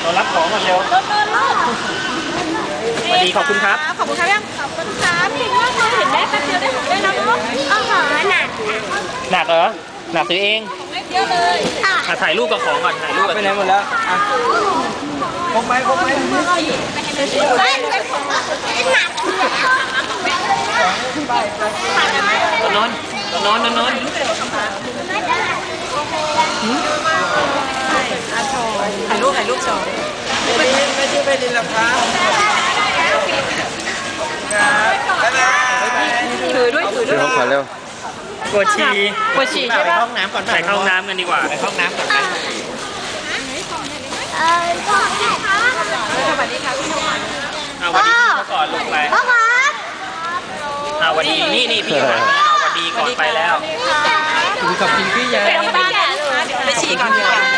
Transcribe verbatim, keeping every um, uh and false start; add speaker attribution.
Speaker 1: เรารับของก่อนเร็วสวัสดีขอบคุณครับ
Speaker 2: ขอบคุณครับยังขอบคุณครับเก่งมากเลยเห็นแม่แป๊บเดียวได้ของได้แล้วเนาะอ๋อหนัก
Speaker 1: หนักเหรอหนักซื้อเอง
Speaker 2: เยอะเลย
Speaker 1: ค่ะถ่ายรูปกับของก่อนถ่ายรูปไปไหนหมดแล้วพกไหมพกไหม
Speaker 2: ไม่เป็นของหนัก
Speaker 1: นอนนอนนอนนอน
Speaker 2: ถ่ายรูปถ่ายรูปโชว์
Speaker 3: ไม่ได้ไม่ได้ไปดินหรอกครับบ๊ายบาย
Speaker 2: ถือด้วยถือด้วย
Speaker 4: ขอเร็ว
Speaker 1: ปวดฉี่
Speaker 2: ปวดฉี่ใช่
Speaker 1: ไปห้องน้ำก่อนไปเข้าห้องน้ำกันดีกว่าไปห้องน้ำก่อนไป
Speaker 2: เออสวัสดีค่ะสวัสดีค่ะพี่นวัด
Speaker 1: เอาวันนี้พี่ก่อนลงไป
Speaker 2: พ่อครับ
Speaker 1: เอาวันนี้นี่นี่พี่ก่อนวันดีก่อนไปแล้ว
Speaker 3: ถึงกับกินพี่ยา
Speaker 2: ไปที่บ้านเดี๋ยวไปฉี่ก่อน